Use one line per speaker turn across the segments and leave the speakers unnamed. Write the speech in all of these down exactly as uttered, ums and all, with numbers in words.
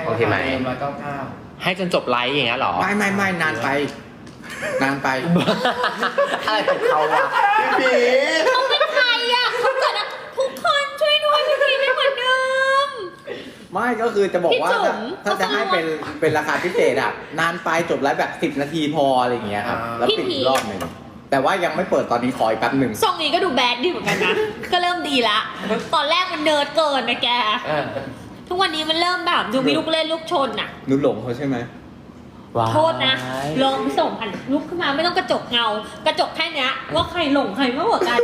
โอเคไหม
ร้อยเก้าเก้า
ให้จนจบไลฟ์อย่างเงี้ยหรอ
ไม่ไม่ไม่นานไป นานไป
อะไรของเขาอะพี่
เขาเป็นใครอ่ะเขาเกิดอะทุกคนช่วยด้วยพี่พีไม่เหมือนเดิม
ไม่ก็คือจะบอกว่า
พี่จุ๋
ถ้าม ถ้าจะให้เป็นเป็นราคาพิเศษอ่ะนานไปจบไลฟ์แบบสิบนาทีพออะไรอย่างเงี้ยครับแล้วปิดอีกรอบหนึ่งแต่ว่ายังไม่เปิดตอนนี้ขออีกแป๊บหนึ่ง
ทรงนี้ก็ดูแบดดีเหมือนกันนะ ก็เริ่มดีละ ตอนแรกมันเนิร์ดเกินนะแก
เออ
ทุกวันนี้มันเริ่มแบบดูมีลูกเล่นลูกชนอ่ะ
นุหลงเขาใช่ไหม
ว้าย
โทษนะ ลองส่งผ่านลุกขึ้นมาไม่ต้องกระจกเงา กระจกแค่เนี้ยว่าใครหลงใครมากกว่ากัน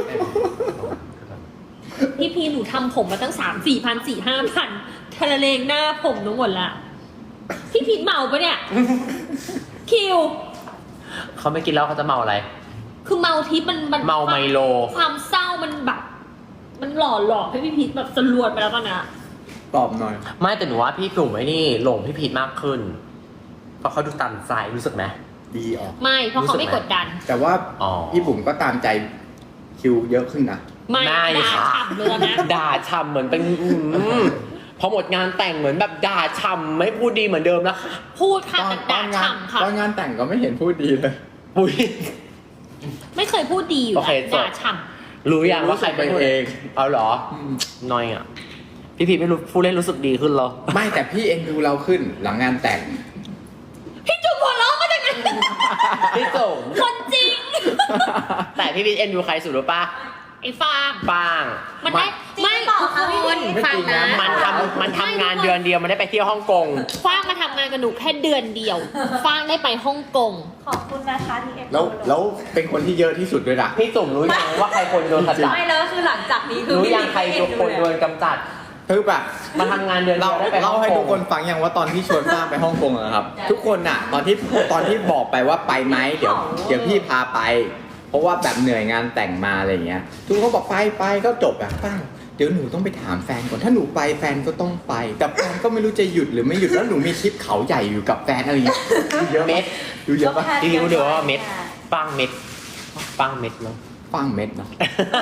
พี่พีหนูทำผมมาตั้งสามสี่พันสี่ห้าพันทะเลงหน้าผมทั้งหมดละพี่พีเมาปะเนี่ย คิว
เขาไม่กินแล้วเขาจะเมาอะไร
คือเมาทิพย์มันมัน
เมาไมโล
ความเศร้ามันแบบ มันหล่อหลอกให้พี่พีทแบบสลวนไปแล้วตอนนี้
ตอบหน่อย
ไม่แต่หนูว่าพี่กลุ่มไอ้นี่หลงพี่พีทมากขึ้น เพราะเขาดูตันใจรู้สึกไหม
ดีออก
ไม่เพราะเขาไม่กดดัน
แต่ว่า
อ๋อ
พี่บุ๋มก็ตามใจคิวเยอะขึ้นนะ
ไม่
ไม่
ด่า
ค่ะ
ฉ่ำเลยนะ
ด่าช่ำเหมือนเป็นอืมพอหมดงานแต่งเหมือนแบบด่าช่ำไม่พูดดีเหมือนเดิมแล้วค่ะ
พูดค่ะ
ตอน
แต่
ตอ
ด่าน
งาน
ฉ่ำค่ะ
ตอนงานแต่งก็ไม่เห็นพูดดีเลย
ปุ้ย
ไม่เคยพูดดีอยู่
โอเค
แล้ว
จบ
ด่าฉ่
รู้ยังว่าใครเป็นคนเอง เอาเหรอ
อืม
น้อยอ่ะ พี่พีทไม่รู้ผู้เล่นรู้สึกดีขึ้นเหรอ
ไม่แต่พี่เอ็นดูเราขึ้นหลังงานแต่ง
ำพี่จุ๊บหัวเราะมาจากไหน
พี่จุ๋ม
คนจริง
แต่พี่พีทเอ็นดูใครสุดรู้ปะ
ไอ้ฟาง
ปาง
มันได้
จริง
ไม่
เปล่า
ทุก
คะพี่
คน
พีท
ฟังนะ
มันทำมันทำงานเดือนเดียวมันได้ไปเที่ยวฮ่องกง
ฟางมาทำงานกับหนูแค่เดือนเดียวฟางได้ไปฮ่องกง
ขอบคุณนะคะที่เอ็ม
แล้วแล้วเป็นคนที่เยอะที่สุดด้วยนะ
พี่จุ๋มรู้ยังว่าใครคนโดนขจัด
ไม่แล้วคือหลังจากนี้คือ
รู้
พี่
ยังใคร
เอ็นดู
คนโด
เลย
นกำจัด
คือแบบ
มาทำงานเดือนเดี
เรา
ยวได้ไปฮ่
เล่า
อง
ให้
ก
ทุ
ง
กคนฟังอย่างว่าตอนที่ชวนป้าไปฮ่องกงอะครับ ทุกคนอะตอนที่ตอนที่บอกไปว่าไปไหมเดี๋ยวเดี๋ยวพี่พาไป เพราะว่าแบบเหนื่อยงานแต่งมาอะไรอย่างเงี้ยทุกคนก็บอกไปไปก็จบอะป้าเดี๋ยวหนูต้องไปถามแฟนก่อนถ้าหนูไปแฟนก็ต้องไปแต่แฟนก็ไม่รู้จะหยุดหรือไม่หยุดแล้วหนูมีทริปเขาใหญ่อยู่กับแฟนอะไรอย่างเงี้ยดูเยอะ
เม็
เม็
ด
ดดูเยอะปะ
พี่พีทรู้เดี๋ยวว่าเม็ดปังเม็ดปังเม็ดเนาะ
ฟังเม็ดเนาะ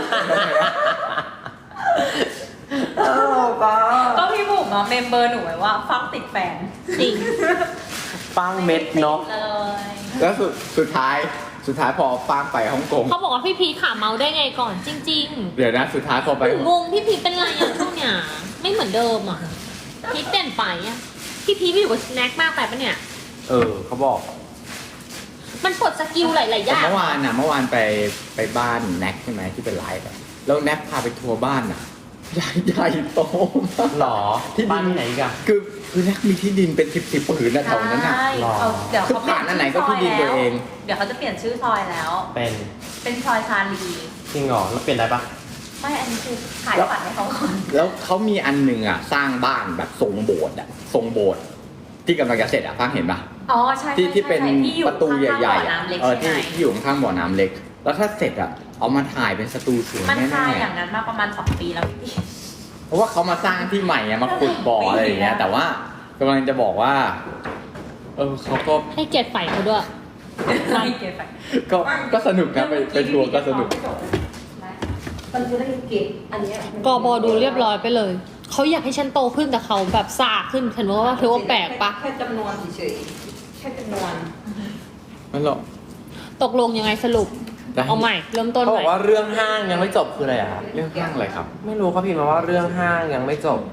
ก็พี่บุ๋มอะเมมเบอร์หนูไว้ว่าฟังติดแฟน
จริง
ปังเม็ดเนาะ
เลย
แล้วสุดสุดท้ายสุดท้ายพอฟังไปฮ่องกง
เขาบอกว่าพี่พีทขาเมาได้ไงก่อนจริง
เดี๋ยวนะสุดท้ายพอ
ๆ
ไป
หนูงงพี่พีทเป็นไรอ่ะช่วงเนี้ยไม่เหมือนเดิมอ่ะพีทเปลี่ยนไปอ่ะพี่พีทไปอยู่กับสแน็คมากไปปะเนี่ย
เออเขาบอก
มันปลดสกิลหลายๆอ
แต่
ย่าง
เมื่อวานน่ะเมื่อวานไปไปบ้านแน็กใช่ไหมที่เป็นไลฟ์อะแล้วแน็กพาไปทัวร์บ้านน่ะใหญ่ใหญ่โตมาก
หรอ
ที่ดิน
บ้านที่ไหนอีกัน
คือคือแน็กมีที่ดินเป็นสิบสิบผืนนะแถวนั้นน่ะ
ใช่
หรอ
เอาเดี๋ยว
คือ
เขาเปลี่ย
ผ่านอันไหนก็ที่ดินตัวเอง
เดี๋ยวเขาจะเปลี่ยนชื่อซอยแล้ว
เป็น
เป็นซอยชาลี
จริงเหรอแล้วเปลี่ยนได้ปะ
ไม่อันนี้คือขายฝันให้เขาก่อน
แล้วเขามีอันหนึ่งอ่ะสร้างบ้านแบบทรงโบสถ์อ่ะทรงโบสถ์ที่กำลังจะเสร็จอ่ะฟังเห็นปะ
อ๋อใช่
ที่
ใช่
ที่เป็น
ใช่ที่อยู่
ประตูใหญ่
ข้างๆบ่อ
ๆอ่ะ
น้ำเล็ก
เออ
ใช่
ที่
ไหม
ที่อยู่ข้างๆบ่อน้ำเล็ก แล้วถ้าเสร็จอ่ะเอามาถ่ายเป็นสตูสวย
มัน
แน่
คายอ
ๆ
ย่างนั้นมาประมาณสองปีแล้วพี่
เพราะว่าเขามาสร้างที่ใหม่อะมาขุดบ่ออะไรอย่างเงี้ยแต่ว่ากำลังจะบอกว่า เออเขาก็
ให้เกียรติฝ่ายเขาด้วย
ไม่เก็บไป
ก็ก็สนุกนะไปไปทัวร์ก็สนุก
มันจะได้เก็บอันเนี้ย
กบดูเรียบร้อยไปเลย เขาอยากให้ฉันโตขึ้นแต่เขาแบบซาขึ้นฉันว่าเธอว่าแปลกปะ
แค่จำนวนเฉยๆแค่จำนวน
นั่นหรอก
ตกลงยังไงสรุป
ได้
เอาใหม่ เริ่มต้น
เขา
ให
บ
ม่
อกว่าเรื่องห้างยังไม่จบคืออะไรอะครับ
เรื่องข้างอะไรครับ
ไม่รู้เขาพิมพ์มาว่าเรื่องห้างยังไม่จบ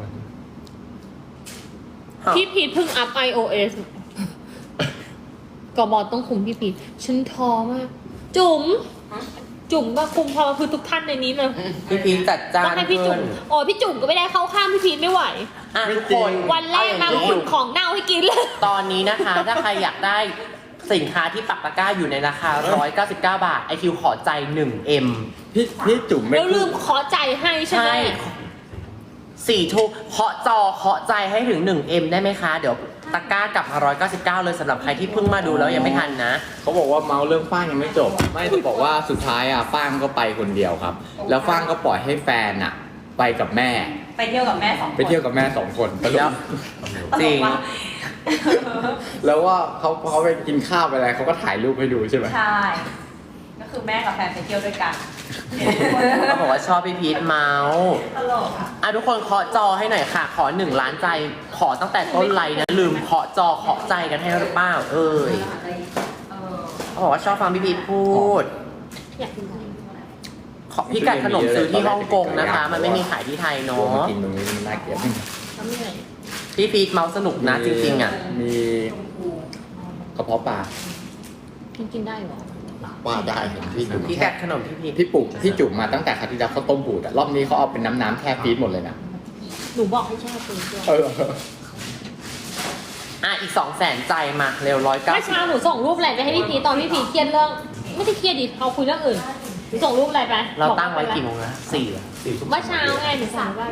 พี่พีทเพิ่งอัพ iOS กบต้องคุมพี่พีทฉันท้อมาก จุ๋มจุ๋มก็คุมพอคือทุกท่านในนี้เลย
พี่พีทจัดจ้า
ก็
น
ให้พี่จุ๋มโอ้พี่จุ๋มก็ไม่ได้เข้าข้างพี่พีทไม่ไหว
อ่ะทุกคน
วันแรกมา
เอ
ก็
ย่ง
คุ
นี้
ณของเน่าให้กินเลย
ตอนนี้นะคะ ถ้าใครอยากได้สินค้าที่ปักตะกร้าอยู่ในราคา หนึ่งร้อยเก้าสิบเก้า บาท ไอคิวขอใจ หนึ่งเอ็ม
พี่พี่จุ๋มไม่
แล้วลื
พูด
มขอใจให้ใช่ไหม
ใช่สี่ทุ่มเคาะจอเคาะใจให้ถึง หนึ่งเอ็ม ได้ไหมคะ เดี๋ยวตะกร้ากลับมาหนึ่งร้อยเก้าสิบเก้าเลยสำหรับใครที่เพิ่งมาดูแล้วยังไม่ทันนะ
เขาบอกว่าเมาเรื่องฟ้างยังไม่จบ ไม่จะบอกว่าสุดท้ายอ่ะฟ้างก็ไปคนเดียวครับ แล้วฟ้างก็ปล่อยให้แฟนอ่ะ ไปกับแม่
ไปเที่ยวกับแม่สองคน
ไปเที่ยวกับแม่สองคนตล
แล้ว
ก
จริง
แล้วว่าเขาเขาไปกินข้าวไปอะไรเขาก็ถ่ายรูปให้ดูใช่ไหม
ใช่ ก็คือแม่กับแฟนไปเที่ยวด้วยกัน
เขาบอกว่าชอบพี่พีทเมาส์
ตลกอ่ะ
อ่ะทุกคนเคาะจอให้หน่อยค่ะ ขอหนึ่งล้านใจ ขอตั้งแต่ต้นไลน์นะลืมเคาะจอเคาะใจกันให้หรือเปล่าเอ้ย
เออ
เขาบอกว่าชอบฟังพี่พีทพูด
อยากกินอะไร
ขอพี่กัดขนมซื้อที่ฮ่องกงนะคะ มันไม่มีขายที่ไทย
โอ้
เนาะ
กินตรงนี้มันน่าเกลียด
ทำยังไง
พี่พีทเมาส์สนุกนะจริงๆอ่ะ
มีกระเพาะปลา
กินกินได้เหรอ
ว่าได้เห็นพี่จุ่ม
พี่กัดขนมพี่พีท
พี่ปลูกพี่จุ่มมาตั้งแต่ครั้งที่แล้วเขาต้มบูดอะรอบนี้เขาเอาเป็นน้ำน้ำๆแค่ฟีดหมดเลยนะ
หนูบอกให้แช่ตู้ด้วย
เออ
อ่ะอีกสองแสนใจมาเร็วร้อยเก้า
เมื่อเช้าหนูส่งรูปอะไรไปให้พี่พีชตอนพี่พีชเครียดเรื่อง ไม่ได้เครียดดิเราคุยเรื่องอื่นหนูส่งรูปอะไรไป
เราตั้งไว้กี่โมงนะสี่อะสี่ทุ่ม
เมื่อเช้าไงหนูสั่งว่าอะไร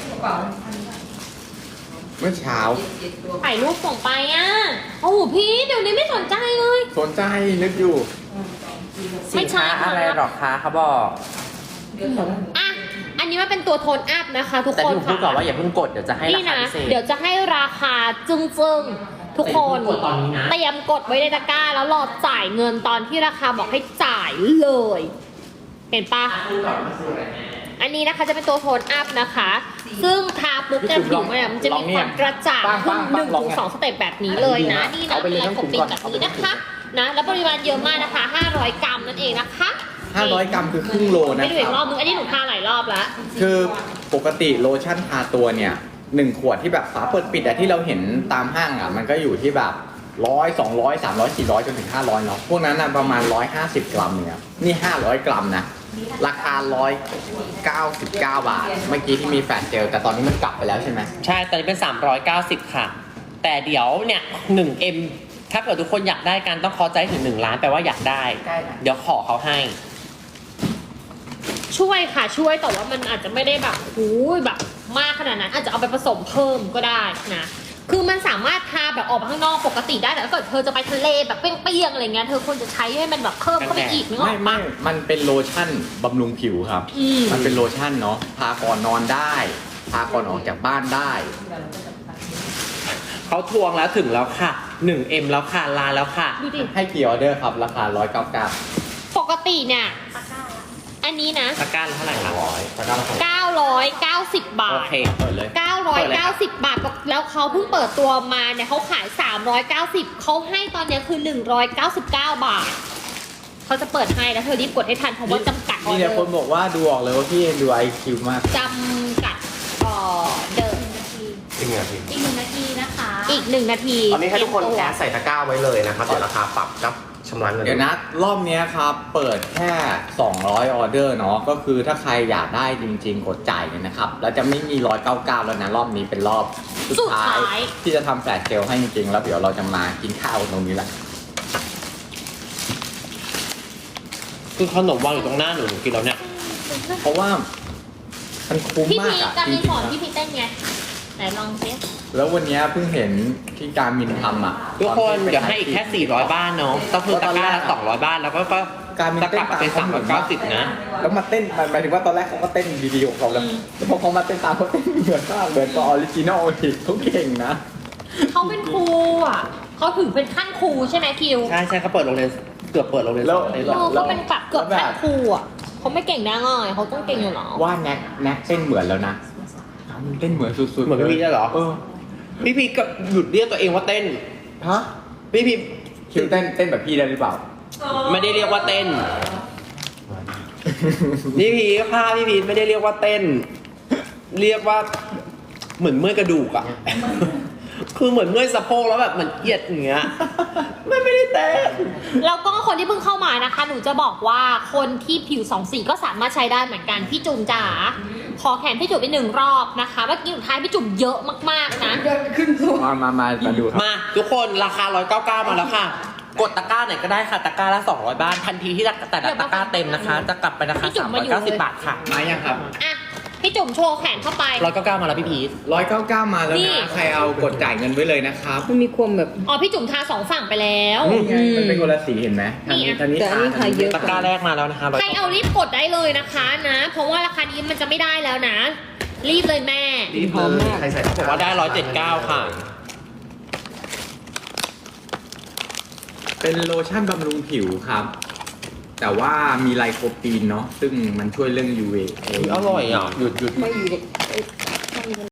เมื่อเช้า
ถ่ายรูปส่งไปอ่ะโอ้โหพี่เดี๋ยวนี้ไม่สนใจเลย
สนใจนึกอยู่
สินค้าอะไรหรอคะเขาบอก
อ่ะอันนี้มันเป็นตัวโทนอัพนะคะทุก
แต่
คน
พี่ผมพูดก่อนว่าอย่าเพิ่งกดเดี๋ยวจะให้รา
นี่
คา
นะ
พิเศษ
เดี๋ยวจะให้ราคาจึ้งๆทุกคน
แต่อย่าเพิ่งกดตอนนี้นะ
เตรียมกดไว้ในตะกร้าแล้วรอจ่ายเงินตอนที่ราคาบอกให้จ่ายเลย เห็นปะ อันนี้นะคะจะเป็นตัวโทนอัพนะคะ ซึ่งทาปุ๊บเนี่ยผิวเนี่ยมันจะมีความกระจ่างขึ้นหนึ่งถึงสองสเต็ปแบบนี้เลยนะ นี่นะ
เอาไปเลย
มี
ทั้ง
ค
ถุ
ม
ง
ปิ
ก่
ด
อน
แบบ
เอาไป
นี้
เลย
นะคะ นะ แล้วปริมาณเยอะมากนะคะ ห้าร้อยกรัมนั่นเองนะคะ
ห้าร้อยกรัมคือครึ่งโลนะ
ไม่ดู
ค
อีกร
รั
อบบ นึง อันนี้หนูทาหลายรอบแล้ว
คือปกติโลชั่นทาตัวเนี่ยหนึ่งขวดที่แบบฝาเปิดปิดอะที่เราเห็นตามห้างอะมันก็อยู่ที่แบบร้อยสองร้อยสามร้อยสี่ร้อยจนถึงห้าร้อยเนาะพวกนั้นอะประมาณร้อยห้าสิบกรัมเนี่ยนี่ห้าร้อยกรัมนะราคาร้อยเก้าสิบเก้าบาท เมื่อกี้ที่มีแฟลชเจลแต่ตอนนี้มันกลับไปแล้วใช่ไหม
ใช่ตอนนี้เป็น สามร้อยเก้าสิบ ค่ะ แต่เดี๋ยวเนี่ย หนึ่งเอ็ม ถ้าเกิดทุกคนอยากได้กันต้องขอใจถึงหนึ่งล้านแปลว่าอยากได้
ได้นะ
เดี๋ยวขอเขาให้
ช่วยค่ะช่วยแต่ว่ามันอาจจะไม่ได้แบบหูยแบบมากขนาดนั้น อาจจะเอาไปผสมเพิ่มก็ได้นะ คือมันสามารถทาแบบออกมาข้างนอกปกติได้แต่ถ้าเกิดเธอจะไปทะเลแบบเปรี้ยงๆอะไรเงี้ยเธอควรจะใช้ให้มันแบบเพิ่มเข้าไปอีกนึกอ
ไม่
อก
ไม่
ปะ
มันเป็นโลชั่นบำรุงผิวครับ
อืม
มันเป็นโลชั่นเนาะทาก่อนนอนได้ทาก่อนออกจากบ้านได้
เขาทวงแล้วถึงแล้วค่ะ หนึ่งเอ็ม แล้วค่ะลาแล้วค่ะ
ดูดิ
ให้กี่ออเดอร์ครับ ราคาร้อยเก้าเก้า
ปกติเนี่ยอันนี้นะ
ตะกร้าละเท่าไหร่คะ
ร้อยตะกร้าละ
เก้าร้อยเก้าสิบบา
โอ
ท
เค
เปิดเลย
เก้าร้อยเก้าสิบบาท แล้วเขาเพิ่งเปิดตัวมาเนี่ยเขาขายสามร้อยเก้าสิบเขาให้ตอนเนี้ยคือหนึ่งร้อยเก้าสิบเก้าบาท เขาจะเปิดให้แล้วเธอรีบกดให้ทันเพราะว่าจำกัดออ
นี่
เด
เนี่ย
อ
คน
ร์
บอกว่าดูออกเลยว่าพี่เอ็นดูไอคิวมาก
จำกัดออเดอร์
จริงเหรอพี่
อีกหนึ่งนาทีนะคะ
อีกหนึ่งนาที
ตอนนี้ให้ทุกคน
เตรียม
แอ
ตัว
ดใส่ตะกร้าไว้เลยนะครับเดี๋ยวราคาปรับกับชำระเงิน
เดี๋ยวนะ รอบเนี้ยครับ เปิดแค่ สองร้อยออเดอร์เนาะก็คือถ้าใครอยากได้จริงๆ กดจ่ายเลยนะครับ แล้วจะไม่มี หนึ่งร้อยเก้าสิบเก้า แล้วนะ รอบนี้เป็นรอบสุด
สุด
ท้าย
ท้าย
ที่จะทำแฟลชเจลให้จริงๆ แล้วเดี๋ยวเราจะมากินข้าวตรงนี้แหละ
คือขนมวางอยู่ตรงหน้าหนูหนูกินแล้วเนี่ย
เพราะว่ามันคุ้ม
พี่
มา
พี
กอะ
จะ
จ
มี
ริง
สอน
ๆนะ
พี่พีเต้นไงไหนลองสิ
แล้ววันเนี้ยเพิ่งเห็นที่การมินทำอ่ะ
ทุกคน
ตอที่ไป
เดี๋ยวให้อีกแค่ สี่ร้อย บ้านเนาะต้องคือตะกร้าละ
ตอนแรกอะ
สองร้อย บ้านแล้วก็ก็
การมิน
จะก
เต้น
ลับมาเป็น
ตาม
สามร้อยเก้าสิบนะ
แล้วมาเต้นหมายถึงว่าตอนแรกเขาก็เต้นดีๆของเขาแล้วแล้วพอเขามาเต้นตามเขาเต้นเหมือนมากเหมือนกับออริจินอลอีกเขาเก่งนะ
เขาเป็นครูอ่ะเขาถึงเป็นขั้นครูใช่ไหมคิว
ใช่ใช่เขาเปิดโรงเรียนเกือบเปิดโรงเรียน
แล้ว
สอนเลย
เออเขาเป็นแบบเกือบขั้นครูอ่ะเขาไม่เก่งได้ง่ายเขาต้องเก่งอยู่หรอ
ว่าแน็กแน็กเต้นเหมือนแล้วนะเต้นเหมือนสุดๆ
เหมือนพี่พีได้เหรอ
เออ
พี่พีก็หยุดเรียกตัวเองว่าเต้น
ฮะ
พี่พี
คิวเต้นเต้นแบบพี่ได้หรือเปล่า
ไม่ได้เรียกว่าเต้น พี่พีภาพพี่พีไม่ได้เรียกว่าเต้น เรียกว่าเหมือนเมื่อยกระดูกอะ คือเหมือนเมื่อยสะโพกแล้วแบบเหมือนเอียดอย่างเงี้ยไม่ไม่ได้เต้น
แล้วก็คนที่เพิ่งเข้ามานะคะ หนูจะบอกว่าคนที่ผิวสองสีก็สามารถใช้ได้เหมือนกันพี่จุ๋มจ๋าขอแขนพี่จุ๋มไปหนึ่งรอบนะคะเมื่อกี้สุดท้ายพี่จุ๋มเยอะมากๆนะ
มามามามาดูครับ
มาทุกคนราคาหนึ่งร้อยเก้าสิบเก้ามาแล้วค่ะ กดตะกร้าไหนก็ได้ค่ะตะกร้าละสองร้อยบ้านทันทีที่แต่ละตะกร้าเต็มนะคะ จะกลับไปราคา
พี่จุ๋
สาม ม
มา
ร้อย
อยู่
เก้าสิบ
เลย
บาทค่ะ
มายังครับ
อ่ะพี่จุ๋มโชว์แขนเข้าไป
หนึ่งร้อยเก้าสิบเก้ามาแล้วพี่พีท
ร้อยเก้าเก้ามาแล้ว
นี่
นะ ใครเอากดจ่ายเงินไว้เลยนะครับ
มันมีความแบบ
อ๋อพี่จุ๋มทาสองฝั่งไปแล้ว
นี่ไงมันเป็นคนละสีเห็นไหมทาง
นี่
นี้
อ่ะ
ทางนี้
แต่อันนี้
ทา
ขายเยอะ
ตะกร้าแรกมาแล้วนะคะ
ใครเอารีบกดได้เลยนะคะนะ เพราะว่าราคานี้มันจะไม่ได้แล้วนะ รีบเลยแม่
รีบเลยใครใส่บอกว่าได้หนึ่งร้อยเจ็ดสิบเก้าค่ะ
เป็นโลชั่นบำรุงผิวครับ แแต่ว่ามีไลโคปีนเนาะซึ่งมันช่วยเรื่อง ยู วี เอ
อร่อยอ่ะ
หยุดหยุด
ไม่อยู่ในเอ้ยไม่อยู่ใน